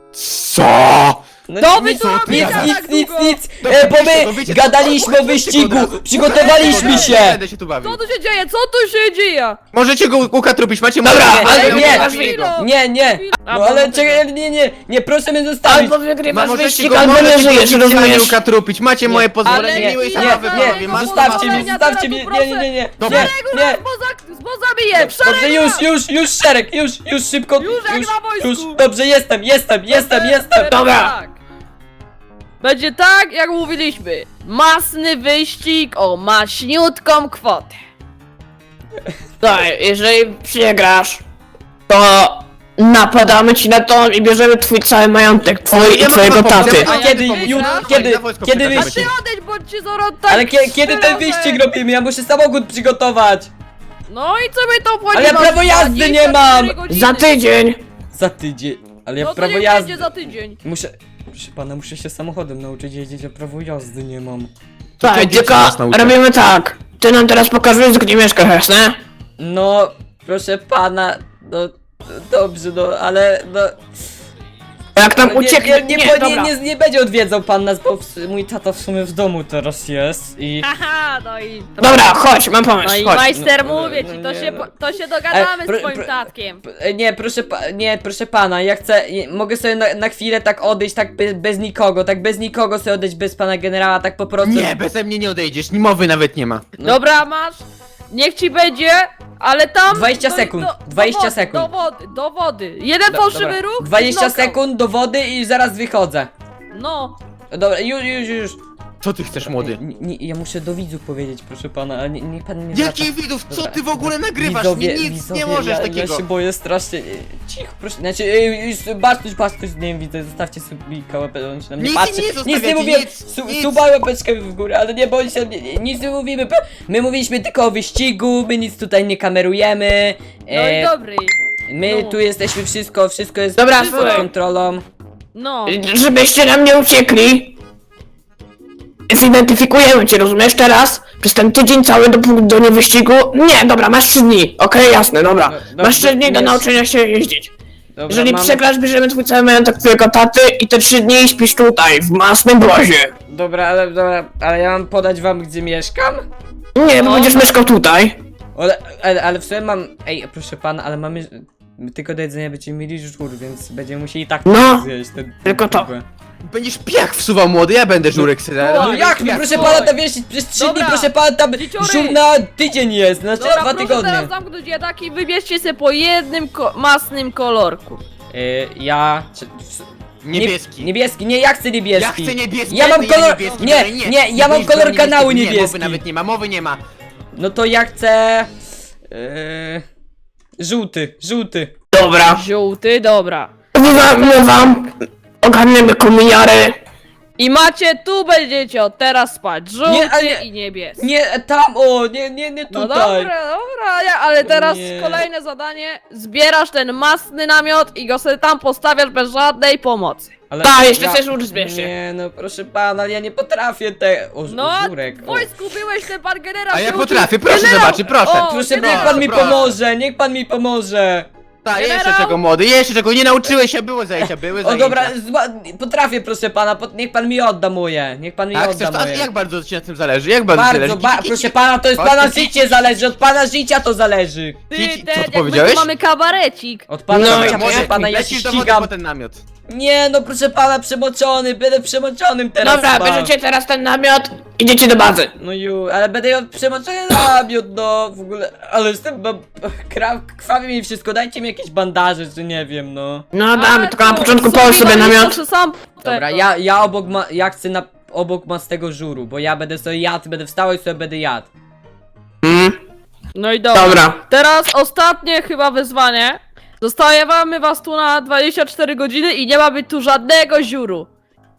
[SPEAKER 4] Co?
[SPEAKER 1] No
[SPEAKER 3] To wy
[SPEAKER 1] nic,
[SPEAKER 3] tu
[SPEAKER 1] nic,
[SPEAKER 3] robicie tak
[SPEAKER 1] nic, nic,
[SPEAKER 3] długo?
[SPEAKER 1] nic,
[SPEAKER 4] Dobra,
[SPEAKER 1] e, bo
[SPEAKER 4] wiecie co,
[SPEAKER 1] my
[SPEAKER 4] wiecie co,
[SPEAKER 1] gadaliśmy o
[SPEAKER 4] słuchajcie
[SPEAKER 1] wyścigu,
[SPEAKER 4] go od razu.
[SPEAKER 1] przygotowaliśmy
[SPEAKER 4] Nie
[SPEAKER 1] się!
[SPEAKER 4] będę się tu bawił.
[SPEAKER 3] Co tu się dzieje? Co tu się dzieje?
[SPEAKER 4] Możecie go ukatrupić, macie
[SPEAKER 2] Dobra,
[SPEAKER 4] możecie-
[SPEAKER 1] ale
[SPEAKER 4] możecie
[SPEAKER 1] nie.
[SPEAKER 4] ukaż
[SPEAKER 3] Chwilę.
[SPEAKER 4] jego.
[SPEAKER 1] Nie, nie,
[SPEAKER 3] A,
[SPEAKER 1] no ale
[SPEAKER 3] bo-
[SPEAKER 1] czekaj, nie, nie, nie, proszę mnie zostawić.
[SPEAKER 2] Albo wygrywasz
[SPEAKER 4] Możecie
[SPEAKER 2] wyścig,
[SPEAKER 4] go,
[SPEAKER 2] albo nie
[SPEAKER 4] możecie go
[SPEAKER 2] żyjesz,
[SPEAKER 4] oficjalnie
[SPEAKER 2] rozumiesz?
[SPEAKER 4] ukatrupić, macie moje
[SPEAKER 1] Nie.
[SPEAKER 4] pozwolenie,
[SPEAKER 3] Ale
[SPEAKER 4] miłej
[SPEAKER 3] nie,
[SPEAKER 4] zabawy
[SPEAKER 3] nie,
[SPEAKER 4] panowie,
[SPEAKER 3] nie,
[SPEAKER 4] mam
[SPEAKER 1] zostawcie mnie,
[SPEAKER 3] pozwolenia,
[SPEAKER 1] zostawcie
[SPEAKER 3] teraz
[SPEAKER 1] mnie,
[SPEAKER 3] tu
[SPEAKER 1] nie, nie, nie, nie,
[SPEAKER 4] Dobra.
[SPEAKER 1] nie,
[SPEAKER 3] Szeregu
[SPEAKER 1] nie.
[SPEAKER 3] nas, bo, za, bo zabiję! W
[SPEAKER 1] Dobrze,
[SPEAKER 3] szeregu
[SPEAKER 1] już,
[SPEAKER 3] nas!
[SPEAKER 1] już, już szereg, już, już szybko,
[SPEAKER 3] Już jak na wojsku.
[SPEAKER 1] już, dobrze, jestem, jestem, jestem,
[SPEAKER 3] Teraz
[SPEAKER 1] jestem.
[SPEAKER 2] Dobra.
[SPEAKER 3] Tak. Będzie tak, jak mówiliśmy. Masny wyścig o maśniutką kwotę.
[SPEAKER 2] Słuchaj, jeżeli przegrasz, to napadamy ci na to i bierzemy twój cały majątek, twój i
[SPEAKER 4] Ja
[SPEAKER 2] twojego
[SPEAKER 4] mam pomysł,
[SPEAKER 2] taty.
[SPEAKER 4] ja mam
[SPEAKER 1] A kiedy,
[SPEAKER 4] pomysł.
[SPEAKER 1] ju,
[SPEAKER 3] Słuchaj,
[SPEAKER 1] kiedy,
[SPEAKER 4] na wojsko
[SPEAKER 1] kiedy
[SPEAKER 4] przekażemy
[SPEAKER 3] A
[SPEAKER 1] wyścig?
[SPEAKER 3] ty odejdź, bo ci zaraz tak
[SPEAKER 1] Ale kie, kiedy ten
[SPEAKER 3] strzelę.
[SPEAKER 1] wyścig robimy? Ja muszę samochód przygotować.
[SPEAKER 3] No i co my to obchodzi?
[SPEAKER 1] Ale ja
[SPEAKER 3] Masz
[SPEAKER 1] prawo jazdy
[SPEAKER 3] dwadzieścia
[SPEAKER 1] nie mam.
[SPEAKER 3] cztery godziny.
[SPEAKER 2] Za tydzień!
[SPEAKER 1] Za tydzień, ale ja
[SPEAKER 3] No to
[SPEAKER 1] prawo
[SPEAKER 3] niech
[SPEAKER 1] jazdy.
[SPEAKER 3] będzie za tydzień.
[SPEAKER 1] Muszę, proszę pana, muszę się samochodem nauczyć jeździć, a prawo jazdy nie mam.
[SPEAKER 2] Słuchaj,
[SPEAKER 4] dzieci
[SPEAKER 2] tylko
[SPEAKER 4] nas nauczą.
[SPEAKER 2] robimy tak. Ty nam teraz pokażesz, gdzie mieszkasz, jasne?
[SPEAKER 1] No, proszę pana, no, dobrze, no, ale, no...
[SPEAKER 2] Jak tam
[SPEAKER 1] Nie,
[SPEAKER 2] ucieknie,
[SPEAKER 1] nie, nie,
[SPEAKER 2] nie,
[SPEAKER 1] po- nie,
[SPEAKER 2] dobra.
[SPEAKER 1] nie, nie będzie odwiedzał pan nas, bo w, mój tata w sumie w domu teraz jest i...
[SPEAKER 3] Haha, no i...
[SPEAKER 2] Dobra, chodź, mam pomysł,
[SPEAKER 3] No i
[SPEAKER 2] chodź.
[SPEAKER 3] majster,
[SPEAKER 1] No, no,
[SPEAKER 3] mówię
[SPEAKER 1] no
[SPEAKER 3] ci, to
[SPEAKER 1] nie,
[SPEAKER 3] się,
[SPEAKER 1] no.
[SPEAKER 3] po- to się dogadamy
[SPEAKER 1] E, pro-
[SPEAKER 3] z twoim
[SPEAKER 1] pro-
[SPEAKER 3] tatkiem.
[SPEAKER 1] P- Nie, proszę pa, nie, proszę pana, ja chcę, nie, mogę sobie na, na chwilę tak odejść, tak bez, bez nikogo, tak bez nikogo sobie odejść, bez pana generała, tak po prostu.
[SPEAKER 4] Nie, beze mnie nie odejdziesz, ni mowy nawet nie ma.
[SPEAKER 1] No.
[SPEAKER 3] Dobra, masz. Niech ci będzie, ale tam...
[SPEAKER 1] dwadzieścia
[SPEAKER 3] do-
[SPEAKER 1] sekund,
[SPEAKER 3] do-
[SPEAKER 1] dwadzieścia
[SPEAKER 3] do wody,
[SPEAKER 1] sekund.
[SPEAKER 3] Do wody, do wody. Jeden
[SPEAKER 1] Do-
[SPEAKER 3] fałszywy
[SPEAKER 1] dobra.
[SPEAKER 3] ruch.
[SPEAKER 1] dwadzieścia
[SPEAKER 3] knockout.
[SPEAKER 1] sekund do wody i zaraz wychodzę.
[SPEAKER 3] No.
[SPEAKER 1] Dobra, już, już, już.
[SPEAKER 4] Co ty chcesz, młody?
[SPEAKER 1] Nie, nie, ja muszę do widzów powiedzieć, proszę pana, ale nie, niech pan nie zwraca-
[SPEAKER 4] Jakich widów? Co
[SPEAKER 1] Dobra,
[SPEAKER 4] ty w ogóle nagrywasz?
[SPEAKER 1] Widzowie,
[SPEAKER 4] nie, nic
[SPEAKER 1] widzowie,
[SPEAKER 4] nie możesz
[SPEAKER 1] ja,
[SPEAKER 4] takiego.
[SPEAKER 1] Ja się boję strasznie. Cicho, proszę. Znaczy, yy, już Bartuś, Bartuś, nie wiem, widzę, zostawcie subika, łapę, on się na mnie
[SPEAKER 4] Nic
[SPEAKER 1] patrzy.
[SPEAKER 4] nie
[SPEAKER 1] Nic nie
[SPEAKER 4] zostawiacie,
[SPEAKER 1] mówię,
[SPEAKER 4] nic,
[SPEAKER 1] su,
[SPEAKER 4] nic.
[SPEAKER 1] suba łapeczkę w górę, ale nie bądź się, nie- nic nie mówimy. My mówiliśmy tylko o wyścigu, my nic tutaj nie kamerujemy.
[SPEAKER 3] No i
[SPEAKER 1] E,
[SPEAKER 3] dobry.
[SPEAKER 1] my
[SPEAKER 3] no.
[SPEAKER 1] tu jesteśmy wszystko, wszystko jest
[SPEAKER 2] Dobra,
[SPEAKER 1] pod
[SPEAKER 2] słuchaj.
[SPEAKER 1] kontrolą.
[SPEAKER 3] No.
[SPEAKER 2] Żebyście nam nie uciekli. Zidentyfikujemy cię, rozumiesz, teraz? Przez ten tydzień cały do, do niewyścigu. Nie, dobra, masz trzy dni. Okej, jasne, dobra.
[SPEAKER 1] No, no,
[SPEAKER 2] Masz trzy dni do
[SPEAKER 1] nie-
[SPEAKER 2] nauczenia się jeździć.
[SPEAKER 1] Dobra,
[SPEAKER 2] Jeżeli
[SPEAKER 1] mamy-
[SPEAKER 2] przegrasz, bierzemy twój cały majątek twojego taty i te trzy dni śpisz tutaj, w masnym brozie.
[SPEAKER 1] Dobra, ale, dobra, ale ja mam podać wam, gdzie mieszkam?
[SPEAKER 2] Nie, bo
[SPEAKER 3] No.
[SPEAKER 2] będziesz mieszkał tutaj.
[SPEAKER 1] Ale, ale, ale w sumie mam. Ej, proszę pana, ale mamy. Tylko do jedzenia będziemy mieli żur, więc będziemy musieli tak
[SPEAKER 2] No,
[SPEAKER 1] zjeść ten.
[SPEAKER 2] tylko to.
[SPEAKER 1] ten-
[SPEAKER 4] Będziesz piach wsuwał, młody, ja będę żurek sobie.
[SPEAKER 3] no,
[SPEAKER 1] No
[SPEAKER 3] Ale
[SPEAKER 1] jak?
[SPEAKER 3] piach,
[SPEAKER 1] Proszę
[SPEAKER 3] słuchaj.
[SPEAKER 1] pana, tam wiesz, przez trzy dni,
[SPEAKER 3] Dobra.
[SPEAKER 1] proszę pana, tam
[SPEAKER 3] Dzieciory.
[SPEAKER 1] żur na tydzień jest, znaczy na
[SPEAKER 3] Dobra,
[SPEAKER 1] dwa
[SPEAKER 3] proszę
[SPEAKER 1] tygodnie.
[SPEAKER 3] teraz zamknąć jednak i wybierzcie sobie po jednym ko masnym kolorku.
[SPEAKER 1] Y, ja. Czy, w-
[SPEAKER 4] Niebieski.
[SPEAKER 1] Nie, niebieski, nie, ja chcę niebieski.
[SPEAKER 4] Ja chcę niebieski.
[SPEAKER 1] Ja mam
[SPEAKER 4] nie,
[SPEAKER 1] kolor.
[SPEAKER 4] niebieski,
[SPEAKER 1] Nie,
[SPEAKER 4] dalej,
[SPEAKER 1] nie, ja mam
[SPEAKER 4] będziesz
[SPEAKER 1] kolor
[SPEAKER 4] niebieski,
[SPEAKER 1] kanału
[SPEAKER 4] Nie, mowy
[SPEAKER 1] niebieski.
[SPEAKER 4] nawet nie ma, mowy nie ma.
[SPEAKER 1] No to ja chcę. Yy, żółty, żółty.
[SPEAKER 2] Dobra.
[SPEAKER 3] Żółty, dobra.
[SPEAKER 2] Wywamy wam. Ogarniemy kominiary.
[SPEAKER 3] I macie, tu będziecie od teraz spać. Żółty
[SPEAKER 1] Nie, ale-
[SPEAKER 3] i niebieski.
[SPEAKER 1] Nie, tam, o, nie, nie, nie
[SPEAKER 3] No
[SPEAKER 1] tutaj.
[SPEAKER 3] dobra, dobra, ja, ale teraz
[SPEAKER 1] Nie.
[SPEAKER 3] kolejne zadanie. Zbierasz ten masny namiot i go sobie tam postawiasz bez żadnej pomocy.
[SPEAKER 1] Ale
[SPEAKER 2] Ta, jeszcze chcesz żur zbierzcie.
[SPEAKER 1] Nie, no proszę pana, ale ja nie potrafię te... O,
[SPEAKER 3] No,
[SPEAKER 1] o żurek.
[SPEAKER 3] w
[SPEAKER 1] O.
[SPEAKER 3] wojsku byłeś, ten pan generał
[SPEAKER 4] A ja
[SPEAKER 3] się
[SPEAKER 4] potrafię,
[SPEAKER 3] uczył.
[SPEAKER 4] proszę
[SPEAKER 3] Generał!
[SPEAKER 4] zobaczyć, proszę.
[SPEAKER 3] O,
[SPEAKER 1] Proszę,
[SPEAKER 3] generał!
[SPEAKER 1] niech pan mi
[SPEAKER 4] proszę.
[SPEAKER 1] pomoże, niech pan mi pomoże.
[SPEAKER 4] Tak, jeszcze
[SPEAKER 3] Generał!
[SPEAKER 4] czego, młody, jeszcze czego, nie nauczyłeś się, było zajęcia, były
[SPEAKER 1] O
[SPEAKER 4] zajęcia.
[SPEAKER 1] dobra, zła- potrafię proszę pana, po, niech pan mi odda moje, niech pan mi
[SPEAKER 4] A
[SPEAKER 1] odda
[SPEAKER 4] chcesz to, a
[SPEAKER 1] moje.
[SPEAKER 4] jak bardzo ci na tym zależy, jak bardzo, ci
[SPEAKER 1] Bardzo,
[SPEAKER 4] zależy?
[SPEAKER 1] ba
[SPEAKER 4] Ki- ki-
[SPEAKER 1] proszę pana, to jest
[SPEAKER 4] Chodź,
[SPEAKER 1] pana
[SPEAKER 4] ki-
[SPEAKER 1] życie zależy, od pana życia to zależy.
[SPEAKER 3] Ty,
[SPEAKER 4] Kici, co
[SPEAKER 3] ten,
[SPEAKER 4] ty
[SPEAKER 3] jak my
[SPEAKER 4] powiedziałeś?
[SPEAKER 3] tu mamy kabarecik.
[SPEAKER 1] Od pana
[SPEAKER 2] No
[SPEAKER 1] życia,
[SPEAKER 2] i
[SPEAKER 1] proszę
[SPEAKER 2] jak
[SPEAKER 1] pana, ja się
[SPEAKER 4] Lecisz do wody
[SPEAKER 1] ścigam.
[SPEAKER 4] po ten namiot.
[SPEAKER 1] Nie no, proszę pana, przemoczony, będę przemoczonym teraz.
[SPEAKER 2] Dobra,
[SPEAKER 1] pan.
[SPEAKER 2] bierzecie teraz ten namiot. Idziecie do bazy.
[SPEAKER 1] No ju, ale będę ją przemoczony namiot, no w ogóle, ale jestem, no, kra- krwawi mi wszystko, dajcie mi jakieś bandaże, czy nie wiem, no.
[SPEAKER 2] No damy,
[SPEAKER 3] Ale
[SPEAKER 2] tylko na
[SPEAKER 3] tu
[SPEAKER 2] początku połóż sobie
[SPEAKER 3] walisz,
[SPEAKER 2] namiot.
[SPEAKER 3] to sam
[SPEAKER 1] Dobra,
[SPEAKER 3] tego.
[SPEAKER 1] ja, ja obok ma, ja chcę na, obok mastego żuru, bo ja będę sobie jadł, będę wstał i sobie będę jadł.
[SPEAKER 2] Mm,
[SPEAKER 3] No i dobra.
[SPEAKER 2] dobra.
[SPEAKER 3] Teraz ostatnie chyba wyzwanie. Zostawiamy was tu na dwadzieścia cztery godziny i nie ma być tu żadnego ziuru.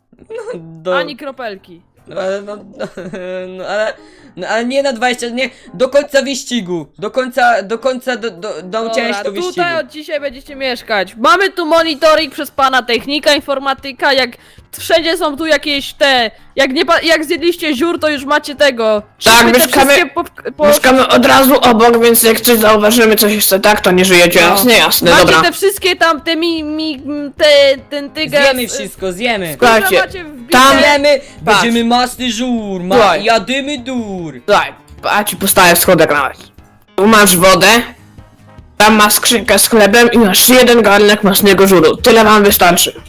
[SPEAKER 1] Do,
[SPEAKER 3] Ani kropelki.
[SPEAKER 1] no, ale, no, no, ale, no, ale nie na dwadzieścia, nie, do końca wyścigu, do końca, do końca, do, do, nauczyłem się do wyścigu.
[SPEAKER 3] tutaj od dzisiaj będziecie mieszkać. Mamy tu monitoring przez pana technika, informatyka, jak wszędzie są tu jakieś te, jak nie pa- jak zjedliście ziór, to już macie tego.
[SPEAKER 2] Tak,
[SPEAKER 3] Szyby te
[SPEAKER 2] mieszkamy-
[SPEAKER 3] wszystkie po, po,
[SPEAKER 2] Mieszkamy od razu obok, więc jak coś zauważymy, coś jeszcze tak, to nie żyjecie.
[SPEAKER 3] No.
[SPEAKER 2] Jasne, jasne,
[SPEAKER 3] macie
[SPEAKER 2] dobra.
[SPEAKER 3] te wszystkie tam, te mi, mi, te, ten tyger.
[SPEAKER 1] Zjemy wszystko, zjemy.
[SPEAKER 2] Słuchajcie,
[SPEAKER 3] macie wbite.
[SPEAKER 2] tam-
[SPEAKER 1] Zjemy,
[SPEAKER 2] Patrz.
[SPEAKER 1] będziemy masny żur, ma,
[SPEAKER 2] Słuchaj.
[SPEAKER 1] jadymy dur.
[SPEAKER 2] Słuchaj, a ci postawię schodek nawet. Tu masz wodę, tam masz skrzynkę z chlebem i masz jeden garnek masnego żuru. Tyle wam wystarczy.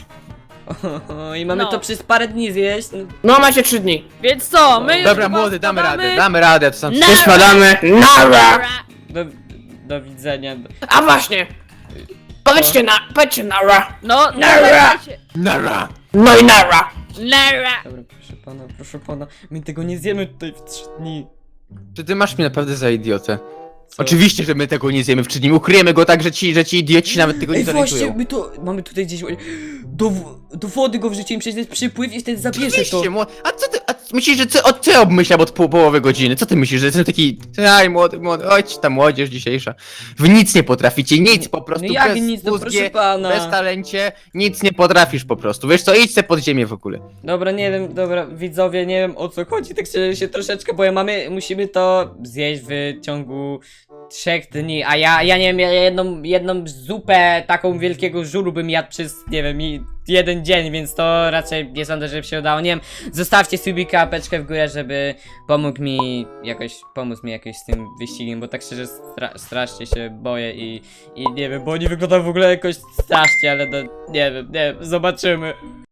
[SPEAKER 1] I mamy
[SPEAKER 3] No.
[SPEAKER 1] to przez parę dni zjeść. No,
[SPEAKER 2] No macie trzy dni.
[SPEAKER 3] Więc co, my już
[SPEAKER 4] Dobra,
[SPEAKER 3] chyba
[SPEAKER 4] młody, damy
[SPEAKER 3] spadamy.
[SPEAKER 4] radę, damy radę, to sam...
[SPEAKER 3] Na-
[SPEAKER 2] Nie spadamy. Nara!
[SPEAKER 1] do, do widzenia.
[SPEAKER 2] A właśnie. Powiedzcie na, powiedzcie nara.
[SPEAKER 3] No,
[SPEAKER 2] Nara.
[SPEAKER 3] nagrajcie.
[SPEAKER 4] Nara!
[SPEAKER 2] No i nara.
[SPEAKER 3] Nara.
[SPEAKER 1] Dobra, proszę pana, proszę pana, my tego nie zjemy tutaj w trzy dni.
[SPEAKER 4] Czy ty masz mnie naprawdę za idiotę?
[SPEAKER 1] Co?
[SPEAKER 4] Oczywiście, że my tego nie zjemy w trzy dni, ukryjemy go tak, że ci, że ci idioci się nawet tego nie
[SPEAKER 1] Ej, właśnie,
[SPEAKER 4] zorientują.
[SPEAKER 1] my to, mamy tutaj gdzieś, do, w- do wody go wrzucimy, przecież jest przypływ i wtedy zabierze to.
[SPEAKER 4] Oczywiście, młody. A co ty, a myślisz, że ty, o, ty obmyślam od pół, połowy godziny? Co ty myślisz, że jestem taki, aj młody, młody, chodź ta młodzież dzisiejsza. Wy nic nie potraficie, nic po prostu,
[SPEAKER 1] No jak
[SPEAKER 4] bez
[SPEAKER 1] nic, no
[SPEAKER 4] mózgie,
[SPEAKER 1] proszę pana.
[SPEAKER 4] bez talencie, nic nie potrafisz po prostu. Wiesz co, idź se pod ziemię w ogóle.
[SPEAKER 1] Dobra, nie wiem, dobra, widzowie, nie wiem o co chodzi, tak szczerze się troszeczkę, bo ja mamy, musimy to zjeść w ciągu trzech dni, a ja, ja nie wiem, ja jedną, jedną zupę taką wielkiego żuru bym jadł przez, nie wiem, i- jeden dzień, więc to raczej nie sądzę, żeby się udało. Nie wiem, zostawcie subika, apeczkę w górę, żeby pomógł mi jakoś, pomóc mi jakoś z tym wyścigiem, bo tak szczerze stra strasznie się boję i, i nie wiem, bo oni wyglądają w ogóle jakoś strasznie, ale no, nie wiem, nie wiem, zobaczymy.